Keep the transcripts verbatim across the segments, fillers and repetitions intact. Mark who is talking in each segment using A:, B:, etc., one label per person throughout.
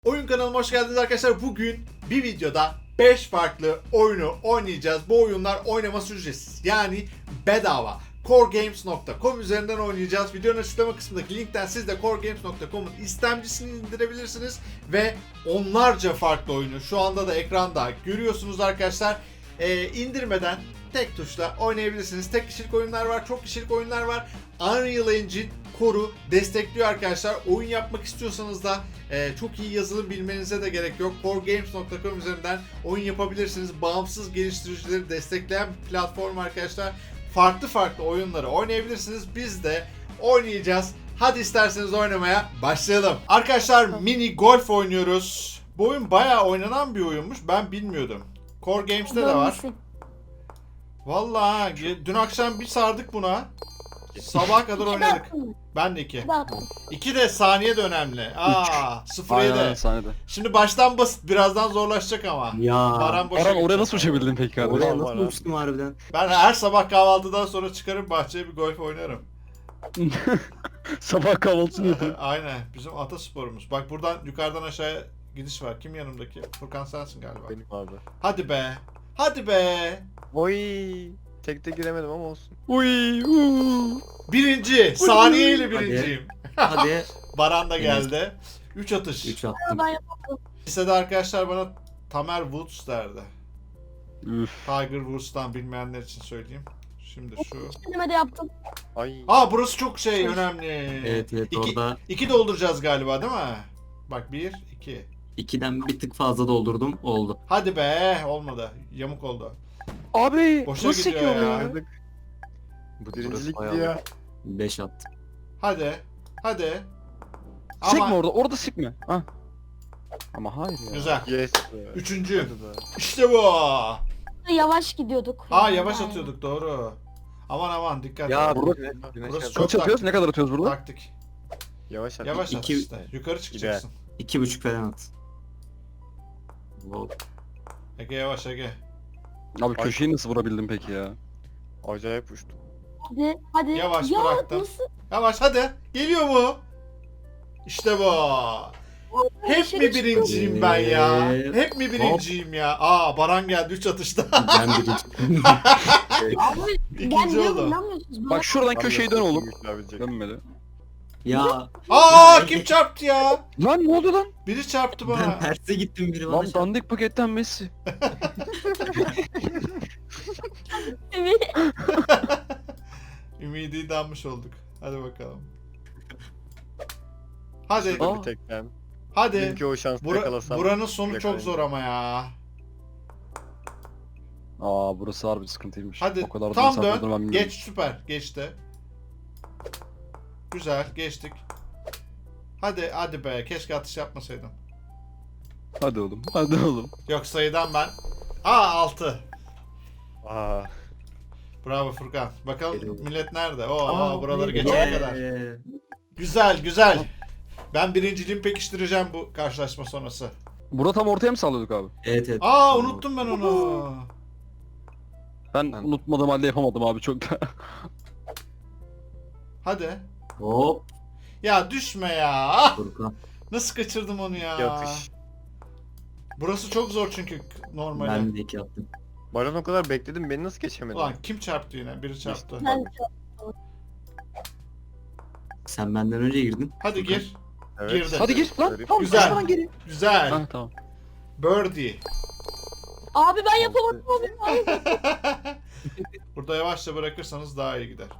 A: Oyun kanalıma hoş geldiniz arkadaşlar. Bugün bir videoda beş farklı oyunu oynayacağız. Bu oyunlar oynaması ücretsiz. Yani bedava. core games nokta com üzerinden oynayacağız. Videonun açıklama kısmındaki linkten siz de core games nokta com'un istemcisini indirebilirsiniz. Ve onlarca farklı oyunu şu anda da ekranda görüyorsunuz arkadaşlar. Ee, indirmeden tek tuşla oynayabilirsiniz. Tek kişilik oyunlar var, çok kişilik oyunlar var. Unreal Engine Core'u destekliyor arkadaşlar. Oyun yapmak istiyorsanız da e, çok iyi yazılım bilmenize de gerek yok. core games nokta com üzerinden oyun yapabilirsiniz. Bağımsız geliştiricileri destekleyen bir platform arkadaşlar. Farklı farklı oyunları oynayabilirsiniz. Biz de oynayacağız. Hadi isterseniz oynamaya başlayalım. Arkadaşlar mini golf oynuyoruz. Bu oyun bayağı oynanan bir oyunmuş. Ben bilmiyordum. Core Games'te de var. Vallahi dün akşam bir sardık buna. Sabaha kadar oynadık. Ben de iki. iki de saniye de önemli. Aa, sıfır yedi.
B: saniyede.
A: Şimdi baştan basit, birazdan zorlaşacak ama.
C: Ya.
A: Baran boşa
B: Baran oraya
A: gidecek.
B: nasıl uçabildin peki kardeşim?
C: Oraya
A: Vallahi.
C: nasıl uçtum harbiden?
A: Ben her sabah kahvaltıdan sonra çıkarım bahçeye bir golf oynarım.
B: Sabah kahvaltısını yapıyor.
A: Aynen. Bizim atasporumuz. Bak buradan yukarıdan aşağıya gidiş var. Kim yanımdaki? Furkan sensin galiba.
D: Benim abi.
A: Hadi be. Hadi be.
D: Oy. Tekte giremedim ama olsun.
B: Uy, uuu.
A: Birinci. Saniyeyle birinciyim.
C: Hadi.
A: Baran da geldi. üç atış.
C: üç attım.
A: Lisede arkadaşlar bana Tamer Woods derdi.
B: Üf.
A: Tiger Woods'tan bilmeyenler için söyleyeyim. Şimdi şu.
E: Kendime de yaptım.
D: Ay.
A: Aa burası çok şey önemli.
C: Evet evet
A: İki,
C: orada
A: iki dolduracağız galiba değil mi? Bak bir, iki.
C: ikiden bir tık fazla doldurdum. Oldu.
A: Hadi be olmadı. Yamuk oldu.
B: Abi
A: Boşa
B: nasıl
A: gidiyor
B: çekiyorum
A: ya.
B: ya?
D: Oynadık. Bu birincilikti
B: bayağı
D: ya.
C: beş attım.
A: Hadi. Hadi.
B: Sikme
A: Ama
B: orada, orada sikme. Ha. Ama hayır ya.
A: güzel.
D: Yes. be.
A: Üçüncü.
D: Hadi be.
A: İşte bu.
E: Yavaş gidiyorduk.
A: Aa yavaş
E: Yani.
A: atıyorduk doğru. Aman aman dikkat.
D: Ya
A: et.
B: burada-
D: güneş, güneş
A: Burası
D: yap-
A: çok
B: Kaç atıyoruz? Ne kadar atıyoruz burada?
A: Taktik.
D: Yavaş at.
A: Yavaş at
C: İki-
A: işte. Yukarı çıkacaksın.
C: İki buçuk falan at. Wow.
A: Ege yavaş Ege.
B: Abi köşeyi nasıl vurabildin peki ya?
D: Acayip uçtum.
E: Hadi, hadi.
A: Yavaş
E: ya,
A: bıraktım.
E: Nasıl?
A: Yavaş hadi. Geliyor mu? İşte bu. Hep
E: Dışarı
A: mi
E: çıktım.
A: birinciyim ben ya?
C: Ee,
A: Hep mi birinciyim ya? Aa Baran geldi üç atışta.
C: Ben birinci.
E: Abi ben
A: İkinci
E: niye
A: oldu.
E: inanmıyorsunuz?
B: Bak şuradan köşeyi dön oğlum.
D: Güçlenebilecek.
B: Dönmedi.
C: Ya
A: Aa kim çarptı ya?
B: Lan ne oldu lan?
A: Biri çarptı bana.
C: ben terse gittim biri bana.
B: Lan
C: şey-
B: dandik paketten Messi.
E: Evet.
A: Ümidi danmış olduk. Hadi bakalım. Hadi.
B: Aa.
D: Bir tekten.
A: Hadi.
D: Dünkü o şansı
A: Bura,
D: yakalasam.
A: buranın sonu çok
D: yakalayayım.
A: zor ama ya.
B: Aa burası harbi sıkıntıymış.
A: Hadi
B: O kadar da
A: tam
B: mesafe
A: dön.
B: olduğunu ben bilmiyordum.
A: Geç süper. Geçti. Güzel geçtik. Hadi hadi be. Keşke atış yapmasaydım.
B: Hadi oğlum. Hadi oğlum.
A: Yok sayıdan ben. Aa altı.
D: Aa.
A: Bravo Furkan. Bakalım
C: Geliyor.
A: millet nerede? Oo
C: Aa,
A: buraları
C: ee,
A: geçene kadar. Güzel güzel. Ben birinciliğimi pekiştireceğim bu karşılaşma sonrası.
B: Burada tam ortaya mı sallıyorduk abi?
C: Evet evet.
A: Aa unuttum ben onu.
B: Ben
C: Ben-
B: unutmadığım halde yapamadım abi çok da.
A: Hadi.
C: Hop.
A: Ya düşme ya. Ah!
C: Furkan.
A: Nasıl kaçırdım onu ya?
D: Yatış.
A: Burası çok zor çünkü normalde.
C: Ben de iki attım.
D: Baran o kadar bekledim, beni nasıl geçemedin?
A: Ulan kim çarptı yine? Biri çarptı.
E: Ben
C: Sen benden önce girdin.
A: Hadi
C: Furkan.
A: gir.
D: Evet.
A: Girdi.
B: Hadi gir lan.
D: Garip.
B: Tamam,
A: Güzel.
B: Güzel. Geri.
A: Güzel.
B: Ha tamam.
A: Birdie.
E: Abi ben yapamadım abi.
A: Burada yavaşça bırakırsanız daha iyi gider.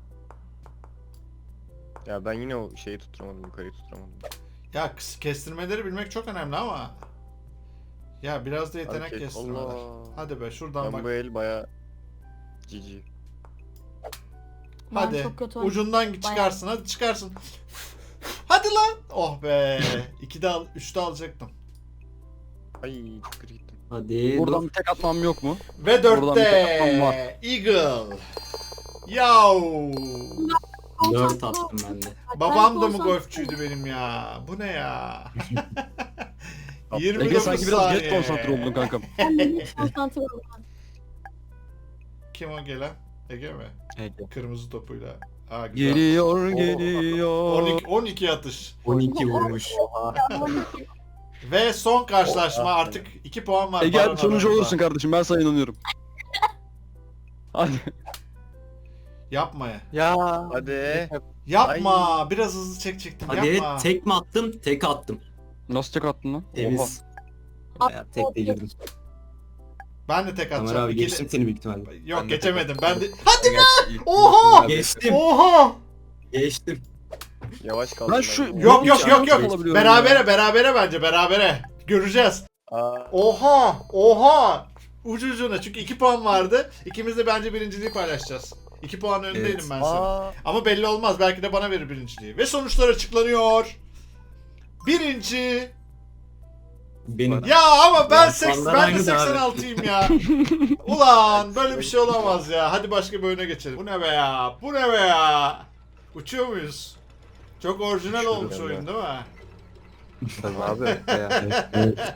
D: Ya ben yine o şeyi tutturamadım, yukarıyı tutturamadım.
A: Ya kıs- kestirmeleri bilmek çok önemli ama. Ya biraz da yetenek
D: Hareket,
A: kestirmeler.
D: Allah.
A: Hadi be şuradan
D: Ben
A: bak.
D: bu el baya cici.
E: Ben
A: Hadi.
E: çok kötü oynadım.
A: Ucundan git çıkarsın. Hadi çıkarsın. Hadi lan. Oh be. İkide al, üçte alacaktım.
D: Ay çok kötü gittim.
C: Hadi.
B: Buradan
C: dur.
B: bir tek atmam yok mu?
A: Ve
B: Buradan bir tek atmam var.
A: dörtte. Eagle. Yav.
C: Dört attım ben de.
A: Babam da mı
E: konsantre-
A: golfçüydü benim ya? Bu ne ya?
B: Ege
A: yirmi dokuz
B: sanki biraz geç
A: saniye.
B: konsantre oldun kankam.
E: Ben de hiç konsantre oldum.
A: Kim o gelen? Ege mi?
C: Ege.
A: Kırmızı topuyla. Aa, güzel.
B: Geliyor
A: Oo.
B: geliyor.
A: on iki, on iki atış.
C: on iki vurmuş.
A: Ve son karşılaşma
D: Oh, ah,
A: artık iki puan var.
B: Ege
A: Baran
B: hadi sonucu
A: aramızda.
B: olursun kardeşim ben sana inanıyorum. Hadi.
A: Yapma ya.
C: Ya.
D: Hadi.
A: Yapma. Biraz hızlı çekecektim.
F: Hadi
A: Yapma.
F: tek mi attım? Tek attım.
B: Nasıl tek attın lan?
F: Temiz. Ya, tek de girdim.
A: Ben de tek
F: Ömer
A: atacağım.
F: abi
A: İkili-
F: geçtim seni büyük ihtimalle.
A: Yok
C: Ben de
A: geçemedim.
C: tek
A: Ben de...
C: attım.
A: Hadi be!
C: İlk-
A: Oha!
F: Geçtim.
A: Oha!
F: Geçtim.
D: Yavaş kaldım.
B: Ben şu-
D: ya.
A: Yok yok yok yok.
B: Olabiliyorum
A: Berabere
B: ya.
A: berabere bence berabere. Göreceğiz.
D: Aa,
A: Oha! Oha! Ucu ucuna çünkü iki puan vardı. İkimiz de bence birinciliği paylaşacağız. iki puan önündeydim
F: Evet.
A: ben sana.
D: aa.
A: Ama belli olmaz. Belki de bana verir birinciliği. Ve sonuçlar açıklanıyor. Birinci.
F: Benim.
A: Ya ama ben
F: Ya,
A: seks,
F: puanlar
A: ben de
F: aynı da abi.
A: seksen altıyım ya. Ulan böyle bir şey olamaz ya. Hadi başka bir oyuna geçelim. Bu ne be ya? Bu ne be ya? Uçuyor muyuz? Çok orijinal
D: Uçuyorum
A: olmuş
D: ben de.
A: oyun değil mi?
C: Tabii abi. Ya.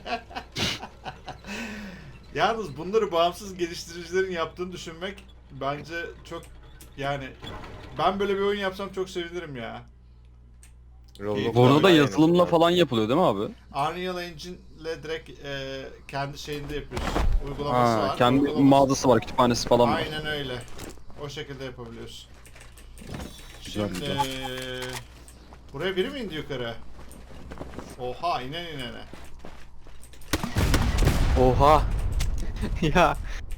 A: Yalnız bunları bağımsız geliştiricilerin yaptığını düşünmek bence çok yani ben böyle bir oyun yapsam çok sevinirim ya.
D: Roblox
B: Bu arada da
D: oynayan
B: yazılımla
D: yok.
B: falan yapılıyor değil mi abi?
A: Unreal Engine'le direkt e, kendi şeyinde yapıyorsun. Uygulaması
B: Ha,
A: var.
B: kendi
A: uygulaması-
B: mağazası var, kütüphanesi falan var.
A: Aynen öyle. O şekilde yapabiliyorsun.
B: Güzel,
A: Şimdi
B: güzel.
A: buraya biri mi indi yukarı? Oha inen inene.
C: Oha. Ya.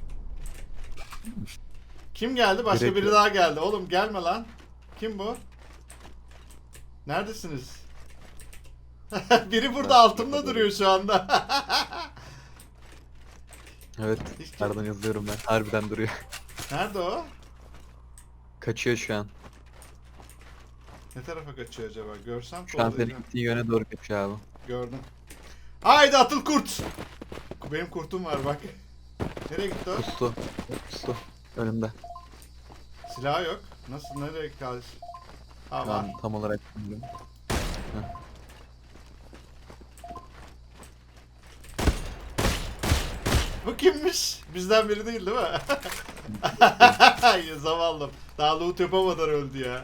A: Kim geldi? Başka
C: Direkt
A: biri
C: yok.
A: daha geldi. Oğlum gelme lan. Kim bu? Neredesiniz? Biri burada altımda duruyor şu anda.
C: Evet.
A: Hiç kim-
C: Nereden yazıyorum ben. Harbiden duruyor.
A: Nerede o?
C: Kaçıyor şu an.
A: Ne tarafa kaçıyor acaba? Görsem
C: Şu an senin
A: kollayacağım.
C: gittiğin yöne doğru kaçıyor abi.
A: Gördüm. Haydi atıl kurt. Benim kurtum var bak. Nereye gitti o?
C: Pustu. Pustu. Önümde.
A: Silahı yok. Nasıl nereye kaldı? Ha
C: Şu
A: var.
C: an tam olarak bilmiyorum.
A: Bu kimmiş? Bizden biri değil değil mi? Ya zavallım. Daha loot yapamadan öldü ya.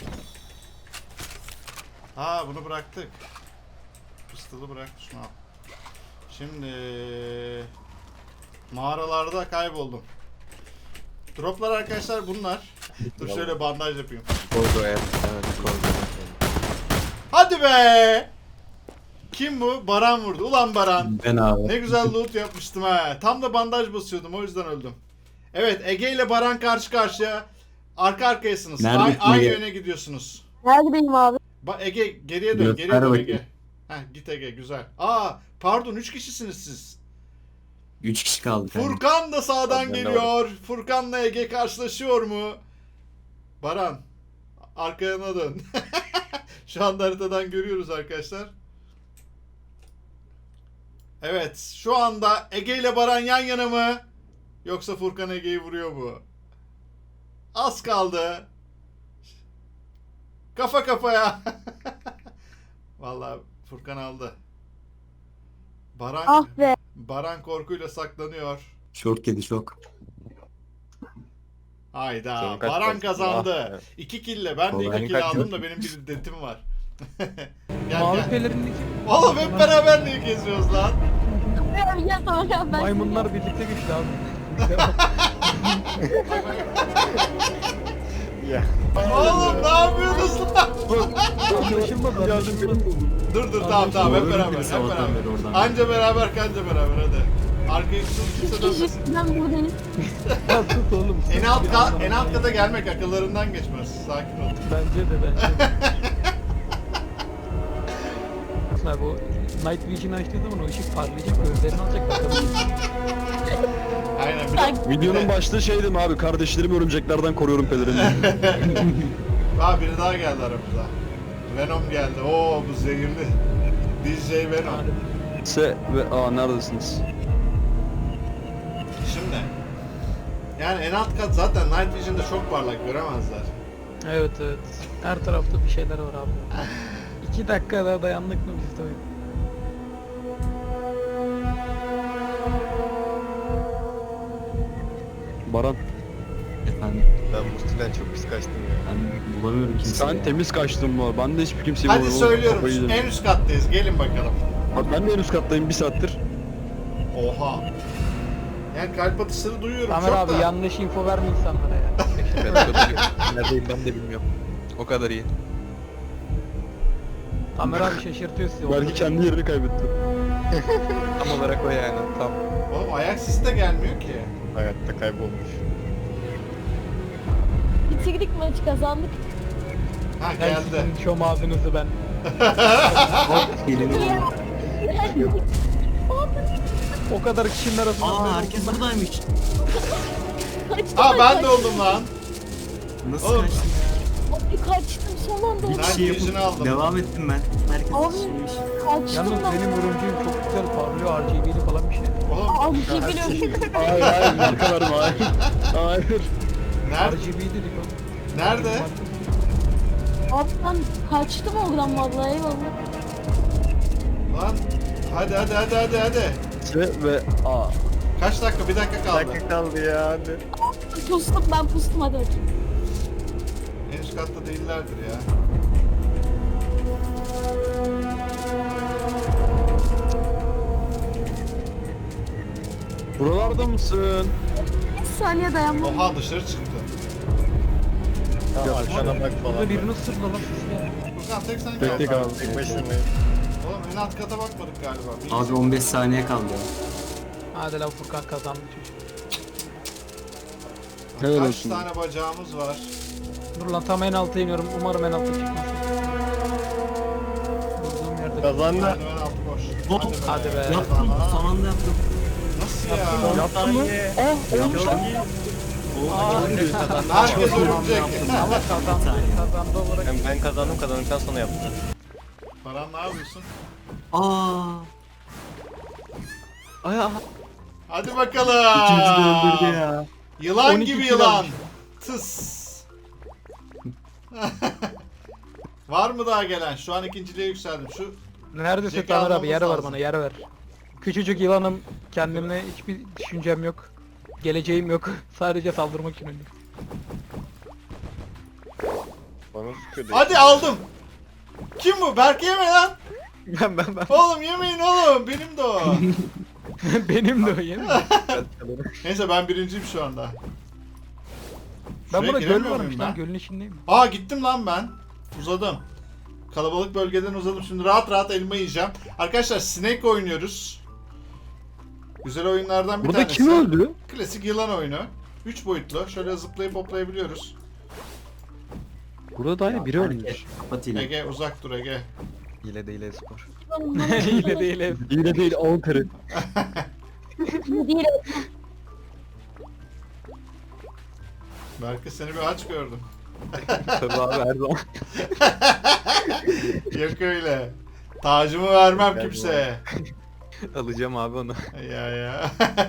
A: Ha bunu bıraktık. Pistolu bırak şunu al. Şimdi mağaralarda kayboldum. Droplar arkadaşlar bunlar. Dur şöyle bandaj yapayım.
C: Kordo evet. Evet kordo.
A: Hadi be! Kim bu? Baran vurdu. Ulan Baran.
F: Ben abi.
A: Ne güzel loot yapmıştım ha. Tam da bandaj basıyordum o yüzden öldüm. Evet Ege ile Baran karşı karşıya. Arka arkayasınız.
F: Nerede
A: Ay- aynı
F: Ege?
A: yöne gidiyorsunuz.
E: Neredeyim abi?
A: Ba Ege geriye dön,
F: Göster
A: geriye dön
F: bakayım.
A: Ege. Heh git Ege güzel. Aa pardon üç kişisiniz siz.
F: Üç kişi kaldık. abi.
A: Furkan da sağdan
D: Ben de
A: geliyor. Furkan'la Ege karşılaşıyor mu? Baran arkaya dön. Şu anda haritadan görüyoruz arkadaşlar. Evet şu anda Ege ile Baran yan yana mı? Yoksa Furkan Ege'yi vuruyor mu? Az kaldı. Kafa kafaya. Vallahi Furkan aldı. Baran
E: Ah be.
A: Baran korkuyla saklanıyor.
F: Şok yedi şok.
A: Hayda.
D: Senin kaç
A: Baran
D: kalsın?
A: kazandı.
D: Ah,
A: iki kille. Ben de
F: Kolay
A: iki kill
C: kaç
A: aldım da benim bir detim var. gel
G: Mavi
A: gel.
G: pelerindeki
A: Oğlum hep beraber niye geziyoruz lan?
E: Abi gel tamam ya ben.
G: maymunlar birlikte güçlü abi.
D: Ya.
A: Oğlum ne yapıyorsunuz lan?
G: Anlaşılmadı. Anlaşılmadı.
A: Dur dur tamam tamam hep
F: Doğru
A: beraber.
F: bir
A: Hep
F: sabahtan beri
A: beraber.
F: oradan.
A: Anca beraber kanca beraber hadi. Arkaya kimse kimse dönmesin.
E: Ben buradayım.
G: Ya tut oğlum.
A: En alt, ka- en alt kata gelmek akıllarından geçmez. Sakin ol.
G: Bence de bence de. Abi o Night Vision açtığı zaman o ışık parlayacak, gözlerini alacak bakalım.
A: Aynen bir de...
B: Videonun başlığı şeydim abi, kardeşlerimi örümceklerden koruyorum pelerini.
A: Aa biri daha geldi aramıza. Venom geldi. Oo bu zehirli. D J Venom.
B: Se ve aa neredesiniz?
A: Şimdi. Yani en alt kat zaten Night Vision'da çok parlak göremezler.
G: Evet evet. Her tarafta bir şeyler var abi. İki dakika daha dayandık mı biz de oyun?
B: Baran,
F: Efendim
D: Ben Musti'den çok pis kaçtım ya.
F: ben bulamıyorum kimseyi.
B: sen
F: ya.
B: temiz kaçtın var. Ben de hiçbir kimseyi
A: Hadi
B: bulamıyorum.
A: söylüyorum.
B: Kafayı yedim.
A: En üst kattayız. Gelin bakalım.
B: Abi ben de en üst kattayım bir saattir.
A: Oha. Yani kalp atışları duyuyorum
G: Tamer
A: çok
G: abi
A: da.
G: yanlış info verme insanlara ya.
C: Ben o kadar iyi. Neredeyim ben de bilmiyorum. O kadar iyi.
G: Tamer abi şaşırtıyor sizi.
B: Belki kendi yerini kaybetti.
C: Tam olarak o yani. Tam.
A: Oğlum ayak sesi de gelmiyor ki.
D: Hayatta kaybolmuş.
E: Bitirdik maçı kazandık.
A: Ha
G: Ben
A: geldi.
G: sizin şom ağzınızı ben.
F: Gelin oğlum.
G: O kadar kişinin arasında.
F: Aa herkes buradaymış.
E: Kaçtım
A: Aa ben de
E: kaçtım.
A: oldum lan.
F: Nasıl
A: Oğlum.
F: kaçtın?
E: Abi kaçtım son anda
F: Bir
E: oldum.
F: kişi
A: vision
F: yapıp
A: aldım.
F: devam ettim ben. Herkes
E: Abi.
F: kişiymiş.
E: Kaçtım
G: Yalnız
E: lan.
G: benim örümceğim çok güzel parlıyor. R G B'li falan bir şey.
A: Oğlum
E: Abi şey biliyorum.
B: Hayır hayır marka verme hayır. Hayır.
A: nerede?
G: R G B dedik o.
A: Nerede?
E: Abi ben kaçtım oradan vallahi eyvallah.
A: Lan hadi hadi hadi hadi hadi.
B: Ve, ve aa.
A: Kaç dakika? Bir dakika
D: Bir
A: kaldı.
D: dakika kaldı ya hadi.
E: Pustum ben pustum hadi bakayım.
A: En üst katta değillerdir ya.
B: Buralarda mısın?
E: Bir saniye dayanmam.
A: Oha dışarı çıktı.
D: Ya arkana bak falan.
G: Burada birini ısırdı lan siz ya.
A: Furkan tek sen
B: Tek tek
A: kaldın.
B: abi.
D: Tek başınayım.
A: Oğlum en alt kata bakmadık galiba. Bir-
F: Abi on beş saniye kaldı.
G: Hadi lan Furkan kazandı çocuk.
B: Helal
A: Kaç
B: olsun.
A: tane bacağımız var?
G: Dur lan tam en alta iniyorum. Umarım en alta çıkmaz. Durduğum yerde.
D: Kazandı.
A: Merdiven altı boş.
F: Hop,
G: hadi be.
F: Yaptım. Son anda yaptım.
A: Nasıl ya?
B: Yaptın mı?
G: Oh olmuş lan. Aa,
A: Herkes örümcek.
G: ama kazandı. Kazandı olarak.
D: Hem ben kazandım kazandıktan sonra yaptım.
A: Paran ne yapıyorsun?
F: Aa.
B: Ay ay.
A: Hadi bakalım.
F: İkimizi de öldürdü ya.
A: Yılan
G: on iki
A: gibi
G: kilo
A: yılan.
G: almış.
A: Tıs. Var mı daha gelen? Şu an ikinciliğe yükseldim. Şu
G: Neredesin
A: Jack
G: Tamer abi?
A: almamız
G: Yer ver
A: lazım.
G: bana, yer ver. Küçücük yılanım, kendimle hiçbir düşüncem yok. Geleceğim yok. Sadece saldırmak için öldüm.
D: Bana sıkıyor.
A: hadi aldım. Kim bu? Berk yeme lan.
C: Ben ben ben.
A: Oğlum yemeyin oğlum. Benim de o.
G: Benim de o yemin.
A: Neyse ben birinciyim şu anda.
G: Ben
A: Şuraya
G: burada göl
A: giremiyor
G: varmış
A: muyum
G: lan,
A: ben?
G: gölün içindeyim.
A: Aa gittim lan ben. Uzadım. Kalabalık bölgeden uzadım. Şimdi rahat rahat elma yiyeceğim. Arkadaşlar Snake oynuyoruz. Güzel oyunlardan bir
B: Burada
A: tanesi.
B: kim öldü?
A: Klasik yılan oyunu. üç boyutlu. Şöyle zıplayıp hoplayabiliyoruz.
B: Burada da aynı biri ölmüş.
F: Kapat yine.
A: Ege uzak dur Ege.
C: Hile değil spor.
G: Hile değil ev.
B: Yine değil on teri.
E: Değil.
A: Belki seni bir aç gördüm.
C: Tabii abi her zaman.
A: Yok öyle. Tacımı vermem
D: Gel
A: kimseye.
C: Alacağım abi onu.
A: Ya ya.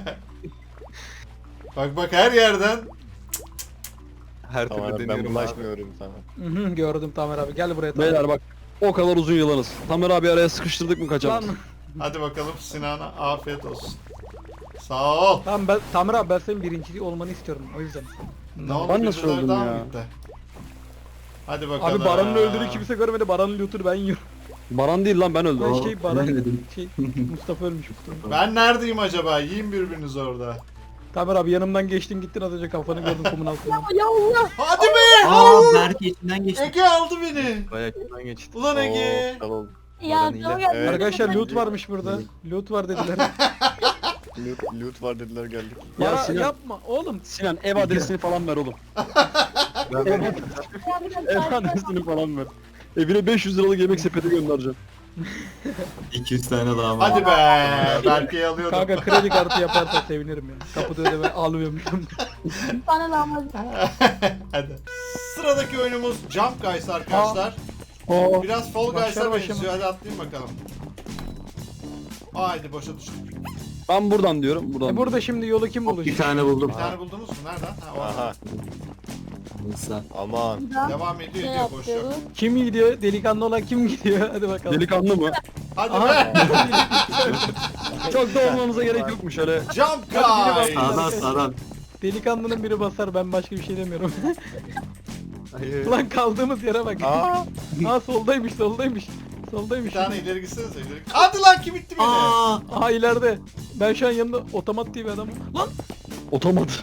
A: Bak bak her yerden.
C: Her
D: Tamam
C: türlü
D: ben
C: deniyorum abi.
D: bulaşmıyorum sana.
G: Hı hı, gördüm Tamer abi, gel buraya Tamer.
B: Beyler bak o kadar uzun yılanız. Tamer abi araya sıkıştırdık mı
G: Lan,
B: kaçamaz.
A: Hadi bakalım Sinan'a afiyet olsun. Sağ ol.
G: tamam ben, Tamer abi ben senin birinciliği olmanı istiyorum o yüzden.
A: Ne oldu?
B: Ben nasıl
A: Birinciler
B: öldüm
A: daha mı
B: ya?
A: gitti? Hadi bakalım.
G: Abi Baran'ın öldüğünü kimse görmedi, Baran'ın lootunu ben yiyorum.
B: Baran değil lan ben öldüm.
G: Ben
F: Oo,
G: şey Baran,
F: ölmedim.
G: şey Mustafa ölmüş Mustafa.
A: Ben neredeyim acaba? Yiyin birbirinizi orada.
G: Tamer abi yanımdan geçtin gittin, az önce kafanı gördüm kumun altından.
E: Ya Allah.
A: Hadi be!
F: Aa Berke içinden geçti.
A: Ege aldı beni.
C: Bayağı kötüden geçti.
A: Ulan Ege.
D: Oo, kal oldu.
E: Ya
C: Baran
E: tamam
C: hile.
E: ya.
D: Evet.
G: Arkadaşlar loot varmış burada. Loot var dediler.
D: Loot, loot var dediler geldik.
B: Ya
G: Ya
B: Sinan,
G: yapma oğlum.
B: Sinan ev adresini falan ver oğlum.
C: Ben ben
B: Ev adresini falan ver. Evine beş yüz liralık yemek sepeti göndereceğim.
F: iki yüz tane daha var.
A: Hadi be. Berke'yi alıyordum.
G: Kanka kredi kartı yaparsa sevinirim ya. Kapıda ödeme almıyormuşum.
E: Bana lahmacun.
A: Hadi. Sıradaki oyunumuz Jump Guys arkadaşlar.
G: Oo.
A: Biraz Fall
G: Başlar
A: Guys'a
G: başlamaz.
A: benziyor. Hadi atlayın bakalım. Haydi boşa düştük.
B: Ben buradan diyorum. Buradan.
G: E burada şimdi yolu kim
F: Bir
G: bulacak?
F: tane buldum.
A: Bir tane buldunuz mu? Nereden? Ha, o
D: Aha
F: Neyse.
D: aman.
A: Devam ediyor
E: Ne
A: ediyor boş yok.
E: yapıyoruz?
G: Kim gidiyor? Delikanlı olan kim gidiyor? Hadi bakalım.
B: Delikanlı mı?
A: Hadi
G: Aha.
A: be.
B: Çok da olmamıza gerek yokmuş öyle.
A: Jump
G: Hadi
A: Guys.
G: biri bak.
F: Sağdan sağdan.
G: Delikanlının biri basar, ben başka bir şey demiyorum.
C: Hayır.
G: Ulan kaldığımız yere bak.
D: Aa.
G: Aa soldaymış soldaymış. Soldaymış.
A: Bir tane ileri gitsenize. ileri. Hadi lan kim itti beni?
F: Aa,
G: Aha ileride. Ben şu an yanında otomat diye bir adamım. Lan!
B: Otomat.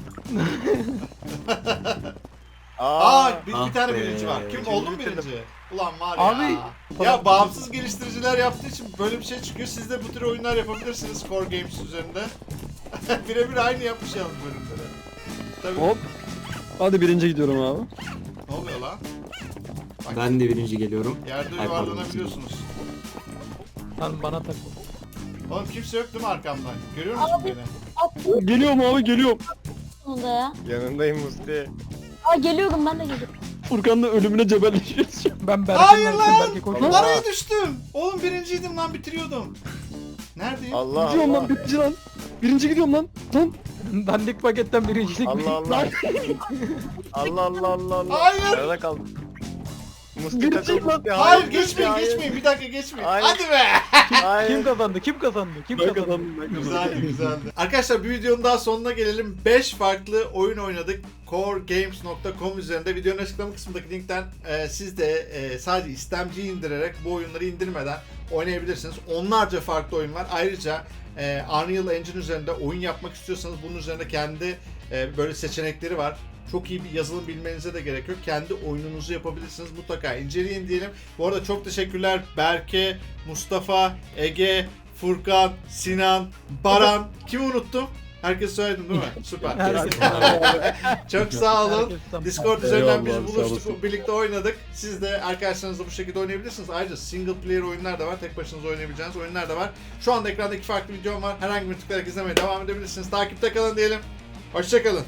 A: Aa,
D: Aa.
A: bir, bir
F: Ah
A: tane
F: be.
A: birinci var. Kim
D: İkinci
A: oldu mu
D: bitirdim.
A: birinci? Ulan var
G: Abi,
A: ya. Ya bağımsız geliştiriciler yaptığı için böyle bir şey çıkıyor. Siz de bu tür oyunlar yapabilirsiniz Core Games üzerinde. Birebir aynı yapmış yalnız bölümleri. Tabii.
B: Hop. Hadi birinci gidiyorum abi.
A: Ne oluyor lan? Bak,
F: ben de birinci geliyorum.
A: yerde
F: Ay, pardon.
A: yuvarlanabiliyorsunuz.
G: Lan bana tak.
A: Oğlum kimse yok değil mi arkamdan? Görüyor musun beni?
E: Attım
B: Geliyorum abi geliyorum.
E: sonunda ya.
D: Yanındayım Musti.
E: Aa geliyorum ben de geliyorum.
B: Furkan'la ölümüne cebelleşiyoruz.
G: Ben Berke'nin
A: Hayır
G: arkasındayım.
A: lan!
G: Berke koşuyor.
A: Araya düştüm. Oğlum birinciydim lan bitiriyordum. Neredeyim?
D: Allah
B: Gidiyorum
D: Allah.
B: lan birinci lan. Birinci gidiyorum lan. Lan.
G: Dandik paketten birincilik.
D: Allah Allah. Allah Allah Allah Allah.
A: Hayır.
D: Nerede kaldın? Musti
B: Birinci
D: takıl
B: lan.
D: Musti.
A: Hayır,
D: Musti,
A: geçmeyin
D: hayır.
A: geçmeyin. Bir dakika geçmeyin.
D: Hayır.
A: Hadi be.
D: Hayır.
G: Kim kazandı? Kim kazandı? Kim
B: Ben
G: kazandı?
B: kazandım ben kazandım.
A: Güzeldi güzeldi. Arkadaşlar bir videonun daha sonuna gelelim. beş farklı oyun oynadık. core games nokta com üzerinde videonun açıklama kısmındaki linkten e, siz de e, sadece istemciyi indirerek bu oyunları indirmeden oynayabilirsiniz. Onlarca farklı oyun var. Ayrıca e, Unreal Engine üzerinde oyun yapmak istiyorsanız bunun üzerinde kendi e, böyle seçenekleri var. Çok iyi bir yazılım bilmenize de gerek yok. Kendi oyununuzu yapabilirsiniz. Mutlaka inceleyin diyelim. Bu arada çok teşekkürler Berke, Mustafa, Ege, Furkan, Sinan, Baran. Kimi unuttum? Herkes söyledim değil mi? Süper.
G: Herkes.
A: Çok sağ olun.
G: Herkes tam-
A: Discord üzerinden biz
B: Eyvallah, sağ
A: buluştuk,
B: olasın.
A: birlikte oynadık. Siz de arkadaşlarınızla bu şekilde oynayabilirsiniz. Ayrıca single player oyunlar da var, tek başınıza oynayabileceğiniz oyunlar da var. Şu anda ekranda iki farklı videom var. Herhangi bir tıklayarak izlemeye devam edebilirsiniz. Takipte kalın diyelim. Hoşça kalın.